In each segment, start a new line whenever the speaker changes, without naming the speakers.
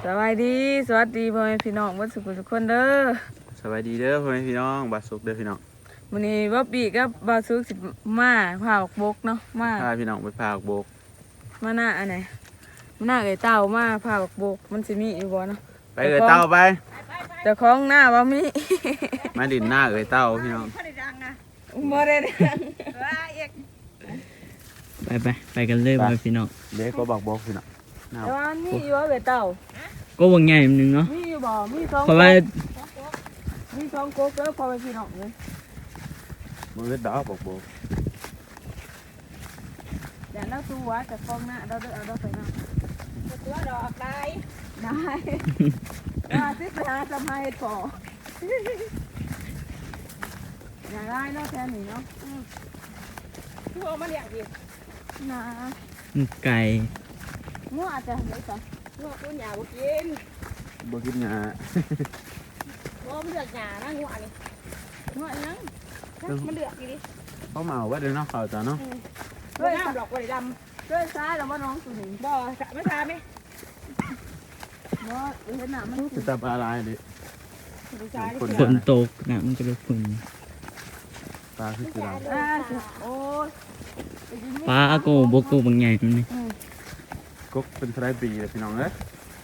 สวัสดีพ่อแม่พี่น้องวัดสุขทุกคนเด้อ
สวัสดีเด้อพ่อแม่พี่น้องบาสุกเด้อพี่น้อง
วันนี้บ๊อบบี้กับบาซุกสิมาพาออกบกเนาะมา
พาพี่น้องไปพาออกโบก
มาหน้าอันไหนมาหน้าไก่เต่ามาพาออกบกมันสิมีอยู่บ่เนาะ
ไปเอ๋ยเต้าไป
แต่ของหน้าว่ามี
มาดินหน้าเอ๋ยเต้าพี่น้อง
บ่ได้ดัง
ไปกันเลยบ่พี่น้อง
เด็กก็บอกโบกพี่น้อง
แต่ว่ามีอยู่ว่าไก่เต่า
ก็วงใหญ่นึงเนาะ
มีอยู่บ่มีสอง
เพราะว่า
มีสองกกเด้อพ่อแม่พี่น้องเลย
มือดอกบอกโบก
แต่เราตัวแต่ของหน้าเราเด้อเอาไปนะตัวดอกได้สิไปหาสมัยพออย่าได้เนาะแทนนี่เนาะคือเอามาเลี้ยงดินะ
ไก่
งัวอาจจะได้จ้ะงัวตัวหยาบ่กิน
หญ้า
งัวมันเลือกหยานะงัวนี่งัวอีหยังมันเลือกดิ
เขาเมาไว้เด้อเนาะเขาจ้ะเนาะ
เฮ้ยดอกบ่ได้ดำเฮ้ยซ้ายแล้วบ่น้องตัวนี้บ่ไม่ซ้ายมั้ยบ่เห็นหน้ามัน
จะจับอะไรดิ
ฝนตกนะมันจะเลยฝุ่น
ปลาคืออะไร
โอ้ย
ปลาโกบกบางใหญ่มันนี่
กบเป็นไรปีเลยพี่น้องเอ้ย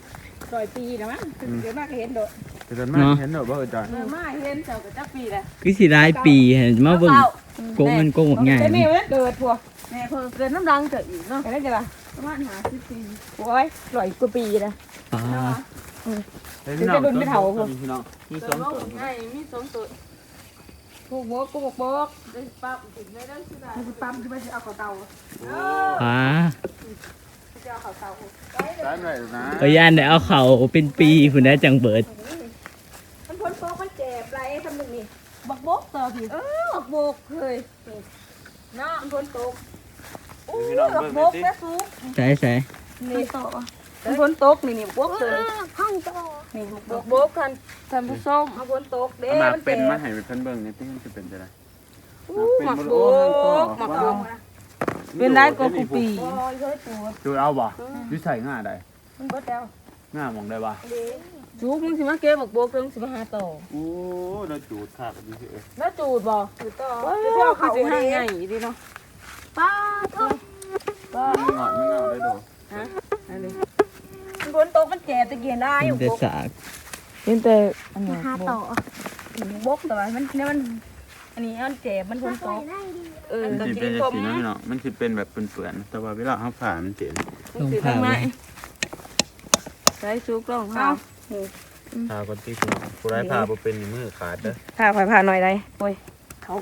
100 ปีนะมั้งเดี๋ยวมาก็เห็นโดด
เดี๋ยวมาเห็นโดดบ่เอ๋ยจ้ะ
มาเห็นเจ้าก็จักปีแหละ
คือสิได้ปีเห็นมาเบิ่งโกมันโกบางใหญ่
แม่เกิดพวกแม่เพิ่นเกิดน้ำรังเกิดอีกเนาะได้จ้ะล่ะประมาณ50 ปีโอ้ย100 กว่าปีนะ
ปลา
พี่น้องพี่น้องมี2ตัว
มี2ตัวพวกบกได้ปั๊บถึงได้เด้อสิได้ปั๊มสิไปสิเอาเข้าเตา
ปลา
จะเอาเข้าเตา
ได้หน่อยนะ
พยานได้เอาเข่าเป็นปีพุ่นได้จังเบิด
มันพ้นโป๊กมันเจ็บไรทำนึงนี่บักบกต่อพี่บักบกเคยเนาะมันพ้นโป๊กบักบกแล้วซุก
ใส่
นี่ต่อมันพ้นโต๊กนี่บกเลยห้องต่อนี่บกกันท่านผู้ชมเอาพ้นโต๊กเด้
มันเป็นมาให้เป็นเบิ่งนี่ที่มันจะเป็นจะได้
หมักบกเป็นได้ก็กูปี
จูเอาบ่ยูใส่ง่าได้
มันเบิดแล้ว
ง่ามองได้บ่
จูมึงสิมาเก็บบักบกเพิ่งสิมาหาต่อ
โอ้น่าจูดขาดดีสิ
น่าจูดบ่จูดต่อจะเอาเขาสิหาง่ายดีเนาะป้าทุก
ป้าไม่งอได้ดู
ฮะอันนี้ฝนตกมันแก่ตะเกียนได้อยู่บกเป็นแต่อันนี้หาต่อบกแต่ว่ามันเนี่ยมันอันนี้มันแก่มันฝนตก
มันสิเป็นสีน้อยเนาะมันสิเป็นแบบเปื่อนๆแต่ว่าเวลาเขาผ่ามันเจ็บ
ลงผ่า
ใช้ซุกลงผ่า
ผ่าคนที่คุณผู้ร้ายผ่าเป็นมือขาดเด้อ
ผ่าหน่อยได้โอ้ยเขา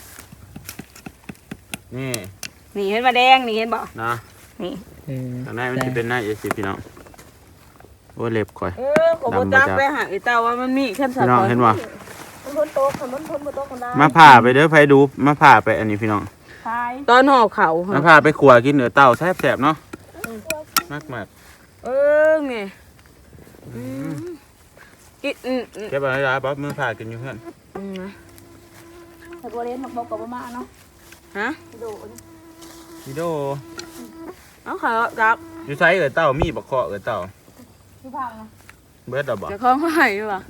นี่
เห็นมาแดงนี่เห็นบ่
นะ
นี่
ข้างในมันจะเป็นหน้าเอซีพี่น้องโอ้เล็บก่อย
ผมบ่จักไปหาไอ้เต่าว่ามันมีขั้นสัตว์
พี่น้องเห็นบ่
มันพ้นโต๊ะมันพ้นบนโต๊ะคนได้
มาผ่าไปเด้อไฟดูมาผ่าไปอันนี้พี่น้อง
ตอนห่อเขา
มาผ่าไปขัวกินเนื้อเต่าแซ่บๆเนาะมาก
นี่กิน
เก็บอะไรป๊อปมือผ่ากินอยู่เพื่อน
แต่บัวเล่นมักบอกกับมาเนาะฮะ
วิโด
เอาขาจับ
อยู่ไซส์เต่ามีบักเคาะเต่า
ที่พังนะ
เบิร์ดบ่
จะคล้องไหวอยู่ป่ะ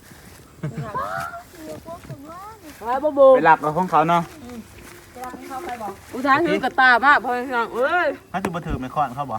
ไปหลักกับของเขาเนาะ
อุทานคือกระตามากพอฟัง
เขาจะมาถือไม่ค่อนเขาบ่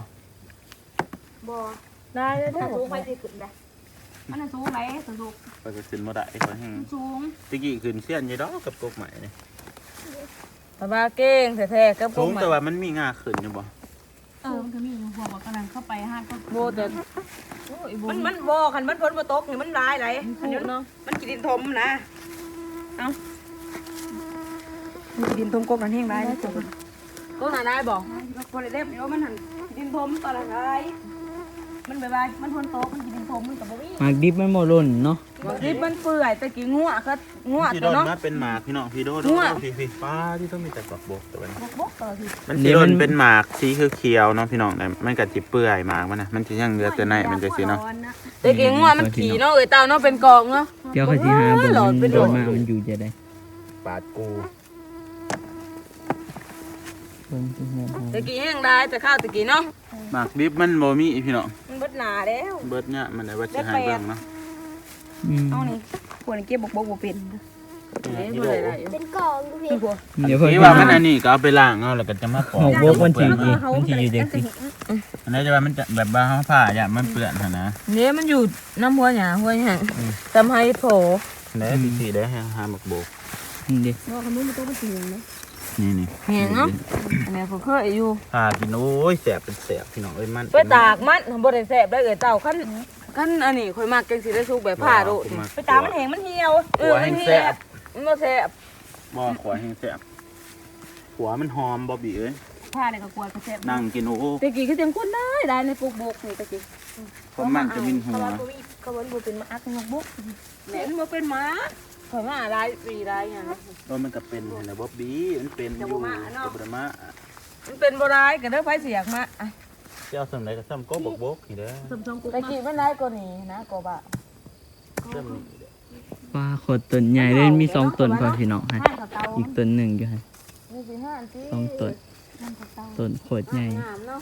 ได้สูงไปสิขึ้นได้มันสูงไหมสูง
ไปขึ้นมาได้คนแห้ง
สูง
ตะกี้ขึ้นเสี้ยนยี่ดอกกับกบใหม่เนี่ย
แต่ว่าเก่งแท้ๆกับ
สูงแต่ว่ามันมีงาขึ้นอยู่บ่
มันก็มีหัวบอกกำลังเข้าไปห้างก็โบแต่มันโบคันมันพ้นมาตกนี่มันร้ายไรอันนี้เนาะมันกินดินทมนะเอ้ามันกินดินทมกบกันแห้งไรนะจ๊ะก็หาได้บอกคนเล็บเดี๋ยวมันหันดินทมตอนไรมันบายมันพ้นโต๊ะมันกินดินทมมันกับบ่มี
หมากดิบมันโมลุ่นเนาะ
หมากดิบมันเปื่อยแต่กี่งัวครับงัว
ตัวเนาะเป็นหมากพี่น้องพี่โดพี่ป้าที่ต้องมีแต่บักบกแต่ว่ามันสีโดนเป็นหมากสีเขียวเนาะพี่น้องแต่มันกัดจิเปื่อยหมากมันนะมันจะยังเหลือแต่ในมันจะสีเนาะ
แต่กี่งัวมันขี่เนาะเต่าเนาะเป็นกองเนาะ
เดี๋ยวเขาสิหาบ่มันมามันอยู่จะได้
ปาดกู
เบิ่งที่เฮือน
ตะกี้แห้งได้แต่ข้าวตะกี้เนาะ
หมากดิบมันบ่มีพี่น้อง
มันเบิดหนาแล้ว
เบิดเนี่ยมันได้ว่าสิให้เบิ่งเนาะ
เอานี่ควรเก็บบกบ่เป็นเด้บ่ได้ได้อยู่
เป็นกล่องดูพี่
นี่บ่
เดี๋ยวเพิ่น
ที่ว่ามันอันนี้ก็เอาไปล้างเอาแล้วก็จะมาปอก
หมกบกมันสิอยู่จังซี่
อันนี้จะว่ามันจะแบบว่าเฮาผ้าอย่ามันเปื้อนหั่นนะ
เนี่ยมันอยู่น้ำหัวหยาหัวหยังทำให้โผ
ได้สิได้ให้หาหมกโบก
นี่ดิ
ว่าขนมมันต้องเป็นสีนะ
นี่
แห้งเนาะอันนี้ผมเคยอยู่
ผ้ากินโอ้ยแสบเป็นแสบพี่น้องเอ้ยมัน
ไปตากมันบ่ได้แซ่บได้เอ้ยเจ้าคันอันนี้ข่อยมักจังสิได้สุกแบบผ้าโดดไปตากมันแห้งมันเหี่ยวมันเหี่ยวมันบ่แซ่บ
บ่ขวาแห้งแสบหัวมันหอมบ่บีเอ้ย
ผ้าเนี่ยก็กลัวก็แซ่บ
นั่งกินโอ้
ตะกี้ก็เต็มคนได้ในปลูกบกนี่ตะกี้
คนมันจะมินหัว
เขาบ่เป็นมาอักนกบกแหม่นบ่เป็นหมาข่อยมาหลายปีหลายหยัง
มันก็เป็นนะบ่บีมันเป็นอยู่กับบ่มา
มันเป็นบ่ร้ายก็เด้อไผสิอยากมาอ่ะ
เจ้าสำไรก็ซ้ำก็บกนี่เด้อ
ตะกี้มันร้ายกว่านี้นะกว่า
ซ้ำนี่
ว่าขดต้นใหญ่เลยมี2ต้นพอพี่น้องฮะอีกต้นหนึงอยู่ฮะ
นี่สิห้าอันที่
2ต้นต้นโคตรใหญ่
งามเนาะ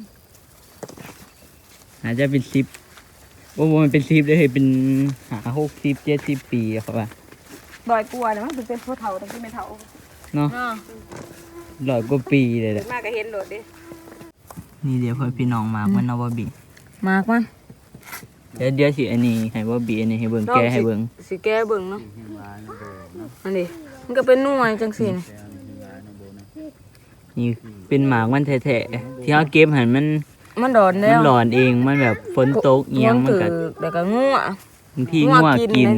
อาจจะเป็น10บ่มันเป็น10เลยเป็น60 70ปีอะครับว่า
ดอยกลัวเนี่ยมันเป็นผู้เฒ่าตะกี้ไม่เฒ่า
เนาะ
เนาะ
100กว่าปีเลยแหละ
มาก็เห็นโดดดิ
นี่เดี๋ยวเพื่อนพี่น้องมากมันเอาบ่บี
มากมั้ย
เดี๋ยวสิอันนี้ให้บ่บีอันนี้ให้เบิ่งแกให้เบิ่ง
สิแก้เบิ่งเนาะอันนี้มันก็เป็นหน่วยจังซี่นี่
นี่เป็นหมากมันแท้ๆที่เฮาเก็บหันมัน
มันดอนแล้
มัน
ว
หลอนเองมันแบบฝนตกเอียงมันก็
แล้วก็งัว
บางทีงัวกิน
งัวกิน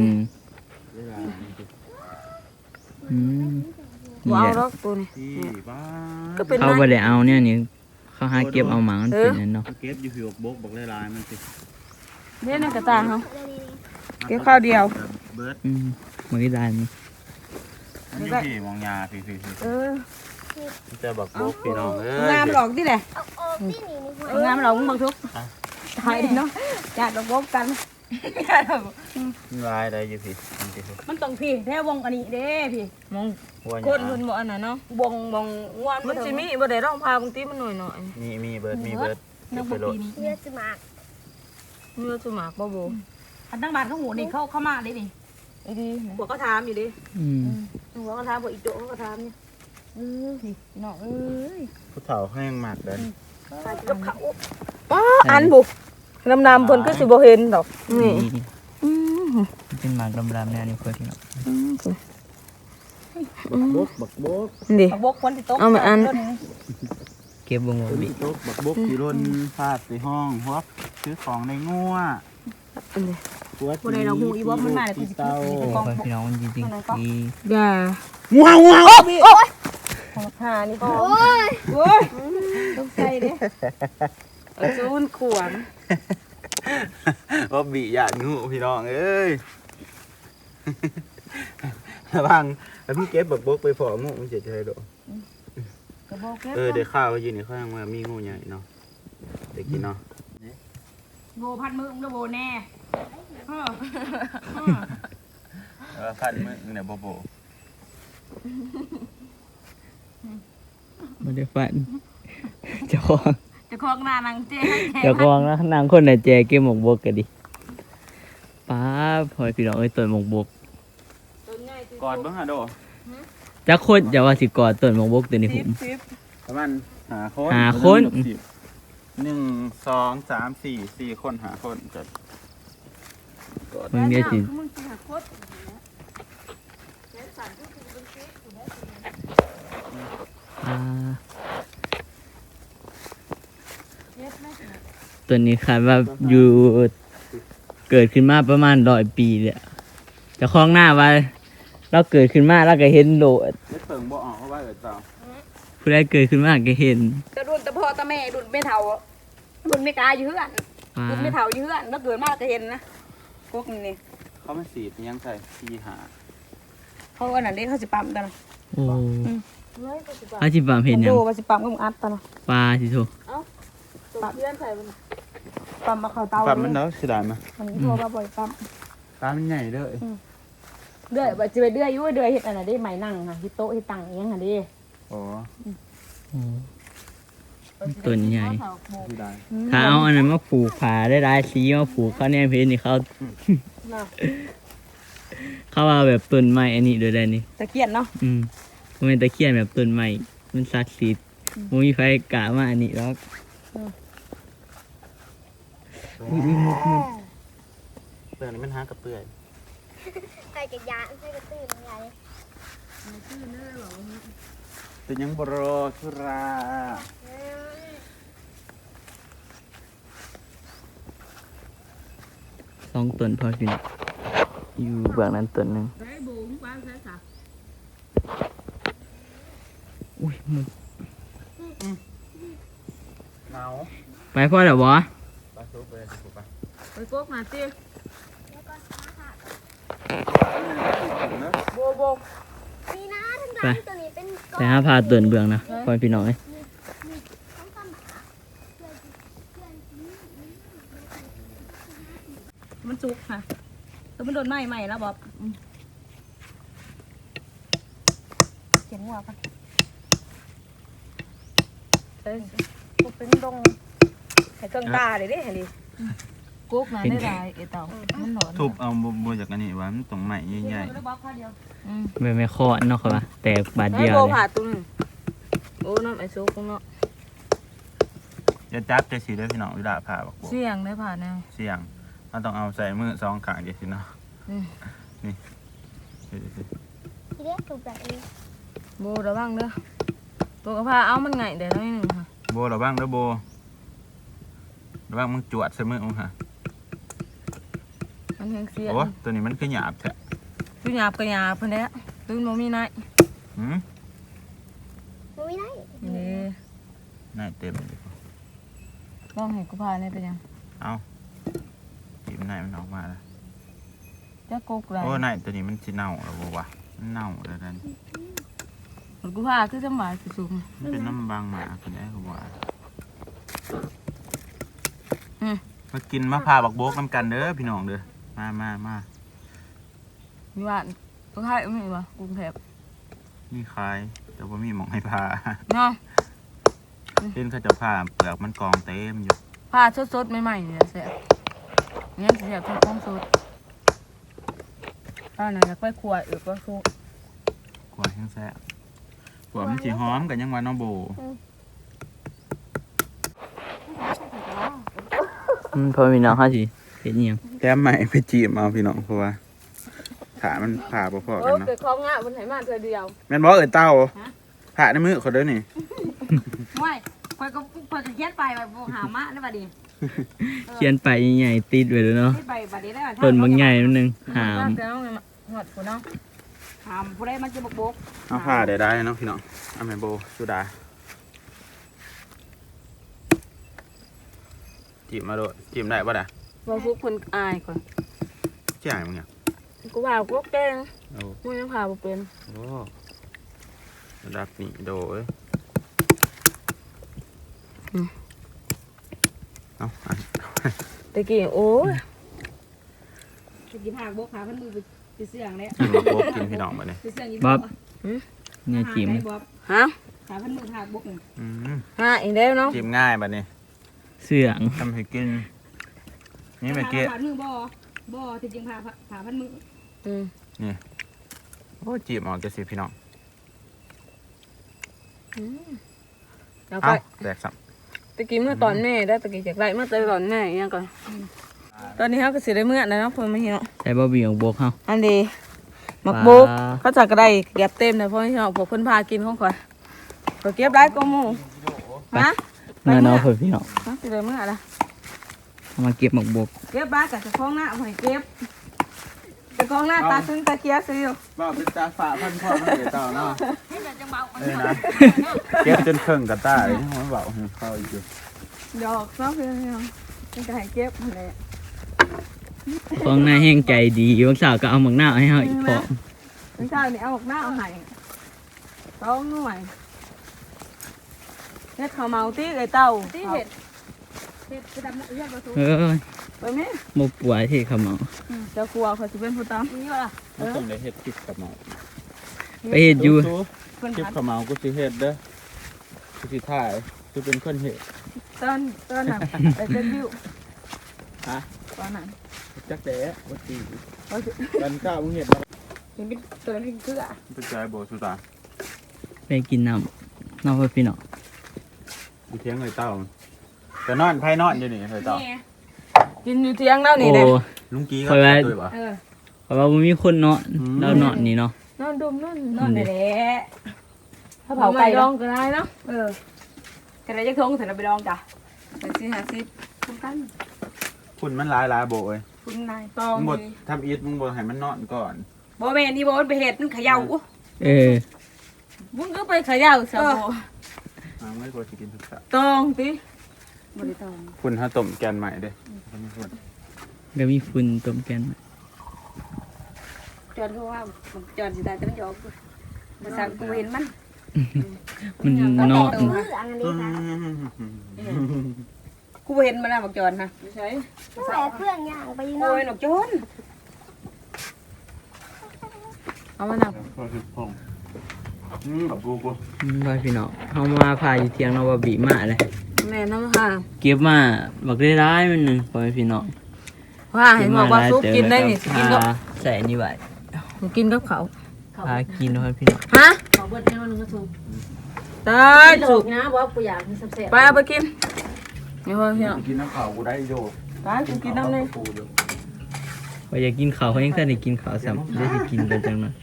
อืม
บ่
นี่
เอา
แห
ด
ละ
อกตัวนี้
ที่บ้า
ก็เป็น
เขาบ่ได้เอาเนี่ยนี่เขาหาเก็บเอาหมากมันเป็นนั่นเนาะ
เก็บอยู่ผิวบกบอกลายมันสิ
เนี่ยในกระตาเฮาเก็บข้าวเดียว
เบิร์ด
มันก็ได้นี่
อันนี้พี่มองยาพี่
เออ
จะบอกบกพี่น้องเอ้ย
งามหรอกดิแหละ
เอาออกที่นี่นี่หัว
งามหรอกมึงบังทุกตายดิเนาะจัดดอกบกกัน
ลายได้อยู่พี่
มันต้องพี่แท้วงอันนี้เด้พี่มอง
หัว
คนเพิ่นบ่อันนั้นเนาะบงงวนมันสิมีบ่ได้ร้องพาบางทีมันหน่อย
มีเบิร์ดมีเบิร์ด
ๆนักบ่ปีนี้
เนื้อจะหมาก
เนื้อสุมากบ่บ่
อันตั้งบานเขาหูนี่เข้ามาได้ดิ
ไอ้ดีหัวก็ถามอยู่ดิ
อืม
หัวก็ถามบ่อีโจก็ถามนี่พี่น้องเอ้ย
ผู้เฒ่าแห้งมากเลย
กับเขาอันบุดำๆเพิ่นก็สิบ่เห็นดอกนี่
นี่มันเป็นหมากดำๆแนวนี้เพื่อนพี่น้อง
บักบก
ดิ
บกคนที่โต๊ะ
เอามาอัน
เก็บบ่งบ่บี
ตกบักบกที่ร่นพาดในห้องหัวซื้อของในงัว
อันนี้
หัว
คนใดเราหูอีบอสมันมาเลยกูจะ
เต้า
กิน
เพื่อนพี่น้องจริงๆดี
อย่า
ว้าวว้าว
ของหานี่พอ
โอ้ย
โอ้ยต้องใส่เด้จูนขวาง
ว่าบีหยาดงูพี่น้องเอ้ยระวังแล้วพี่เก็บบักบกไปพองูมันจะใช่ดอก
กระบอกเก็บ
เดี๋ยวข้าวยืนนี่ข้างว่ามีงูใหญ่เนาะเด็กกินเนาะ
โบพัดมือมึงแล้วโบแน่
พันมึงเนี่ยโบโบ
บ่ได้ฝันเจ้าของ
จะคล้องหน้านางเจ๊
เจ้าของนะนางคนน่ะแจเก็บหมกบกก็ดิป้าพอพี่น้องเอ้ยต้นหมกบก
กอดบ้างฮะโด
จักคนอย่าว่าสิกอดต้นหมกบกตัวนี้ผม
ประมาณหาคน 1 2 3 4 4 คนหาคนจะกอด
มันเมียสิ
มึงสิหาโคตร
อ่าตัวนี้คาดว่าอยู่เกิดขึ้นมาประมาณ100 ปีเลยเจะคล้าของหน้าว่าเราเกิดขึ้นมาแล้วก็เห็นโลด
ไม่เปิงบ่ออกเพราะว่าเต่า
ผู้ใดเกิดขึ้นมาก็เห็น
กระดุนตะพ่อตะแม่ดุนไม่เท่าดุนไม่กล้าอยู่เฮือน
ป้า
ดุนไม่เท่าอยู่เฮือนแล้วเกิดมาก็เห็นนะพวกนี้
เขาไม่สีดยังใส่สีหา
เขาอันนั้นเด็กเขาสิปั๊มตอนนั้น
โอ้อาจิบามเห็นยัง
โบว่าสิปั๊มก็มึงอัดตอนนั้น
ปลาสิโถ
ปั๊บเพื่อนใส่มัน
ปั๊มมาเข้าเตา
ปั๊มมันเนาะเสียดายมั้ย
มันโทรมาบ่อยปั๊ม
ตามันใหญ่เด้อ
เดือยว่าจะไปเดือยอยู่เดือยเฮ็ดอันนั้นได้ไหมนั่งค่ะที่โต๊ะที่ตั้งอีหยังหั่นดิ
โอ้
โอ้ต้นใหญ่
ที่ได้
ถ้าเอาอันนั้นมาผูกผาได้หลายสีมาผูกเขาเนี่ยเพชรนี่เขา เขาว่าแบบต้นไม้อันนี้โดยได้นี่
ตะเกียนเนาะ
มันเป็นตะเคียนแบบต้นไม้มันศักดิ์สิทธิ์มันมีไฟกะมาอันนี้แล้วอุ้ยมุก
เปลือกนี่มันหากระเปื่อย
ใส่กระยานใส่กระตื้นใหญ่
เป็นยังบรอสุรา
สองต้นพออยู่นี่อยู่เบื้องนั้นต้นหนึ่ง
ได้บูมกว้างใช่ค่ะ
อุ้ยมุก
หนาว
ไปพ่อเดี๋ยวบอ
ปลาซุปเลยถูกปะ
ไปโกกมาสิโบโบ
นี่นะทั้งด้านตัวนี้เป็นก
ไปหาพาต้นเบื้องนะพ่อพี่น้องเอ้ย
ต้องกำหมา
มันจุกค่ะตัวมันโดนไหม้แล้วบ๊อบเขียนหัวกันพวกเป็นดงให้เครื่องตาเลยดิเห็นดิกุ๊กมาได้ไรเอเต่ามันหนอน
ทุบเอาบัวจากอันนี้ว่ามันตรงใหม่ใหญ่
ไม่เคาะเนาะครับว่าแต่บาทเดียว
โบ
เลย
ผ่าตุ้งโอ้น้ำไอซุกเนาะ
ๆจะจับจะสีได้พี่น้องวิดาผ่าบอกบัว
เสี่ยงได้ผ่าแน่
เสี่ยงมันต้องเอาใส่มือ2ข้างเดียวสิเนาะ
อืม
นี่ดูสิ
ทีเด็กถูกแบบนี้
โบระวังเด้อตัวกระเพราเอามันไงเดี๋ยวน้อยหนึ่งค่ะ
โบระวังเด้อโบระวังมึงจวดใส่มือมึงค่ะ
มันแห้งเสีย
โอ้ตัวนี้มันคือหยาบแท้
ตัวหยาบกระหยาบเพิ่นแด้ตื่นโมมีนาย
หืม
มันไม่ได้
นี่
น่าเต็มเลย
ลองให้กูพาเนี่ยเป็นยัง
เอาจีบนายมันออกมาแล้ว
จะกกไร
โอ้นายตัวนี้มันสิเน่าแล้วบ่วะมันเน่าแล้วนั่น
กูพาคือจะหมายสูง
มันเป็นน้ำบางหมาคนนี้เขาว่า มากินมะพร้าวบักโบกน้ำกันเด้อพี่น้องเด้อมา
มีว่ากูพาไม่มีวะกรุงเทพ
นี่คายแต่ว่ามีหมองให้พา
เนาะ
เล่นเขาจะพาเปลือกมันกองเต็มอยู่
พาสดๆใหม่ๆเนี่ยเสียงั้นเสียทุกของสดป้าหน่อยอยากไปขวดก็ทุก
กลัวแห้งแซ่บกลัวมันสีหอมกันยังวันน้องโบ
พ่อพี่น้องเขาสิเห็นอิหยัง
แต้มใหม่ไปจีบเอาพี่น้องเพราะว่าขามันผ่าพอๆกันเนาะ
เกิดของง่ะบนไหนมาเธอเดียว
แม่นบอกเต้าผ่าในมือเขาเด้อนี่
ไม่คอยก็เขียนไปแบบหามะได้ป่ะดิ
เขียนไปใหญ่ๆติดไว้เลยเนาะ
เขียนไปป่ะดิได้ป่ะ
ต้นบางใหญ่นิดนึงหาม
เดี๋ยวหอดกูเนาะหามผู้ใดมันจะบก
เอาผ่าได้เนาะพี่น้องเอาแม่โบสุดาจีบมาโดดจีบได้ป่ะด่ะ
ว่าพวกคนอายก่อน
เจ้ามึงเนี่ย
กูว่ากูแกง
โอ้
มึงยังพาบ่เป็น
โหระดับนี้โดยเอาอัน
ตะกี้โอ้ยตะกี้พาบกหาพันมือไปเสี่ยงเลย
กินมาโบกกินพี่น้องมาเนี่ย
ไปเสี่ยง
บ๊อบเนี่ยจิ๋ม
ฮะหาพันมือพาบก
อืม
ฮะอีกแล้วเนาะ
จิ้มง่ายแบบนี้
เสื่อง
ทำให้กิน นี่เมื่อกี้
ผ่านมือบ่จริงๆผ่าพันมือ
นี่โอ้จีบออกจะสิพี่น้อง
แล้วก็
เอ้าแตกสับ
ตะกี้เมื่อตอนแม่ได้ตะกี้จากไรเมื่อตอนแม่ยังก่อนตอนนี้เขาก็สิได้เมื่อนะเนาะเพิ่นมาเห็นเนาะ
ใช้บ่บีของโบกเขา
อันดีหมักบกเขาจักก็ได้เก็บเต็มเลยเพราะที่เราพวกเพิ่นพากินของข่อยก็เก็บได้ก็หมู่ฮะ
เมื่อน้องเพื่อนพี่น้อง
ฮะสิได้เมื่อละ
เอามาเก็บหมกบก
เก็บบ้ากับจะคล้องหน้าเอาให้เก็บจะคล้องหน้าตาซึ้งตาเคียซื้ออยู่
ว่าเป็นตาฝาพันพ่อมันเดือดเต่าเนาะเอ้ยนะเก็บจนเครื่องกระต้าเลยที่มันเบาเข้าอีกอยู่
ดอกเนาะเพื่อนเนาะมันก็ให้เก็บนั่นแหละ
ของนายแห้งใจดีบางสาวก็เอาหมักหน้าให้เขาอีกพอ
ไม่ใช่นี่เอาออกหน้าเอาให้ต้องหน่วยเฮ็ดข้าวเมาตีไอ้เต่า
ที่เห็ดไปดำเลือดประตู
เอ้ย
ไปไหม
บ่ป่วยที่เขาเมา
เจ้ากลัวเขาสิเป็นผู้ตาม
นี่ว่ะ
มันต้องได้เฮ็ดคลิปกับหมอ
ไปเฮ็ดอยู่
เพิ่น
คลิป
หัด
กับหมอกูสิเฮ็ดเด้อสิถ่ายคือเป็นคนเห็น
ตอนน่ะไปเซ็นวิว
ฮะ
ตอนนั้น
จักแดะวัดตีกันก้าวมึงเห็นแล้ว
เห็นเป็นตัวนั้นเป็นเกลือ
เป็นใจโบสุตา
ไปกินน้ำน้องพี่น้อง
ดูเทียงเลยเต้าแต่นอนไพ่นอนอยู่นี่เลยเต้า
กินอยู่เที่ยงแล้วนี่
โอ้
เลย
ลุงกี้ก็
คอยว่า
ตัวบ่
เพราะว่าบ่มีคนเนาะเราเนาะนี่เนาะ
นอนดมนอน
นอนได้แหละถ้า
เผา
เผา
ไก่
ไก่
ด
ด
อ
อง ง
ก็ได้เนาะ
กันได้จักทงเสร็จแล้วไปดองจ้ะ
50คุ้มกัน
คุณมันหลายโบเอ้ย
คุณนายตอง
มึงบดทำอีทมึงบดให้มันนอนก่อน
บ่แม่นนี่บ่มันไปเฮ็ดมันเขย่า
เออ
มึงก็ไปเขย่าซะบ่
ไม่บดจะกินทุกสัตว์
ตองติ
บ่ได้ตอง
คุณถ้าต้มแกนใหม่เด้
ก็มีฝุ่นต้มแกน
จอดเขาว่าจอดสิได้แต่มันหยอกภาษากูเห็นมัน
มันเนาะ
มืออันนี้ค่ะ
กูบ่เห็นมันน่ะบักจอนนะ
ไม่ใช่
แหวเพื่อนย่างไป
โอ้
เนาะ
ยนกจอน
เอามานับ
ก็คือพงกับกูกู
ว่าพี่น้องเฮามาพาอยู่เที่ยงเนาะว่าบีมาเลย
แม่น้ำค่ะ
เก็บมาบักได้ร้ายมันหนึงพ่อแม่พี่น้อง
ว่าเห็นบอกว่าซุปกินได้นี่สิกินกับ
ใส่นี่ไว้
กินกับเขา
พากินเนาะพี่น้อง
ฮะ
ขอเบิดให้มันก็ถูก
ตาย
ถู
สุ
ก
ก
นะบ่กูอยากกินแซ่บ
ไปเอาไปกินนี่พ่อพี่น้อง
กินน้ำข้าวกูได้โย
ไปกูกินน้ำเลย
กูอยู่
ว่าอยากกินข้าวเขายังทันได้กินข้าวซ้ำได้สิกินกันจังนั้น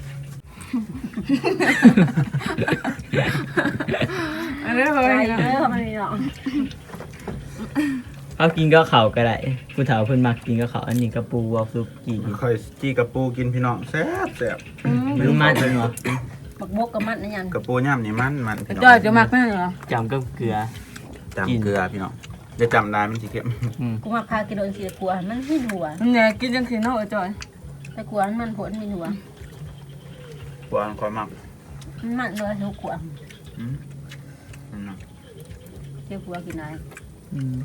อันนี้พ่อ
ๆ
พี่น้อง
เด้อมันนี่เนาะ
เอากินก็ข้าวก็ได้ผู้เฒ่าเพิ่นมักกินก็ข้าวอันนี้กระปูวอลซุปกี่
ค่อยจี้กับปูกินพี่น้องแซ่บแซ่บ
มันมันเนาะ
บักบกกับมันนั่นยัง
กับปูย่ำนี่มันพี่น้อง
จอยจะมักแม่เหรอ
จำกับเกลือ
จำเกลือพี่น้องจะจำได้มันสิเก็บ
กูมาพากินโดนสิกลัวมันมีหัว
มันเนี่ยกินจังสีเนาะจอย
แต่กลัวมันผลมีหัว
กวางความมัก
มันเลยทุกขวด
อืมนั่นน่ะ
เจ้าขัวกินไหน
อืม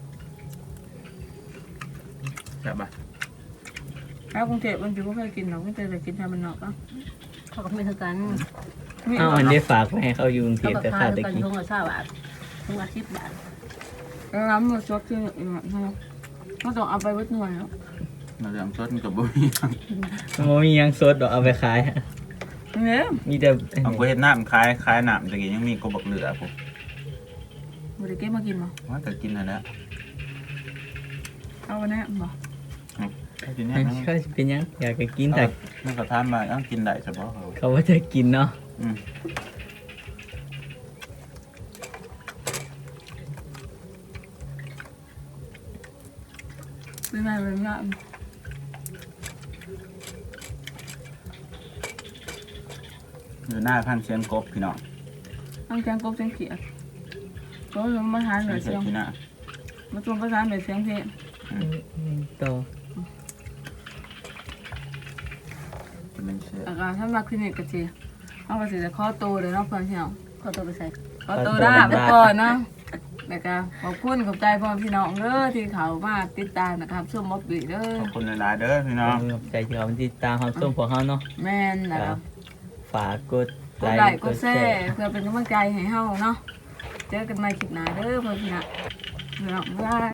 แซ่บปะ
เอากรุงเทพมันจะไม่เคยกินหรอกไม่เคยกินทำมันนอกอ่ะ
เขาก็ไม่เท่ากัน
เอาอันนี้ฝากไว้ให้เขาอยู่กรุงเท
เขา
พ
ก็
แต่
พา
ข้าว
เท่า
ตะ
กัน
กี้
ทงละ20 บาททงละ10 บาท
แล้วน้ำมันซดที่อีกหน่อยนะก็ต้องเอาไปวัดหน่วยแล้ว
เราจะสดกับบุ้ย
มันมียังสดดอกเอาไปขาย
เนี่ย
มีแต่
เอากูเห็นน้ำคล้ายน้ำตะกี้ยังมีกบักเหลือกู
บริเก็บมากินมั้ง
ว่าแต่กินอะไร
เอาวันนี้มั้ง
กินเนี่ย
ก็เป็นยังอยากจะกินแต่
มันก็ทานมาต้องกินได้เฉพาะเขา
เขาว่าจะกินเนาะ
อืม
เป็นไงเป็นไง
อยู่หน้าพันเชียงกบพี่น้อง
ต้องแกงกบเสียงเขียดก็มาทานเหนือ
เชี
เสี
ย
ย
ง
ง
ที่หน้า
มาชวนประทานเหนือเสียงเพลง
ต่อ
จะเป็นเชือก
อาการถ้ามาคลินิกกะจีเอาไปสิจะข้อโตเลยเนาะเพื่อนพี่น้อง
เขาตัวไปใส่
ข้อโตได้ไปก่อนเนาะแล้วก็ขอบคุณขอบใจพ่อพี่น้องเด้อที่เขามาติดตามนะครับช่วงม็อบบี้เด้อ
ขอบคุณหลายๆเด้อพี่น้อง
ใจที่เขาติดตามความส้มของเขาเนาะ
แม่นนะครับ
ฝากกด
กดไลค์กดแชร์เพื่อเป็นกำลังใจให้เฮาเนาะเจอกันใหม่คลิปหน้าเด้อเพื่อนพี่น้องบ๊ายบาย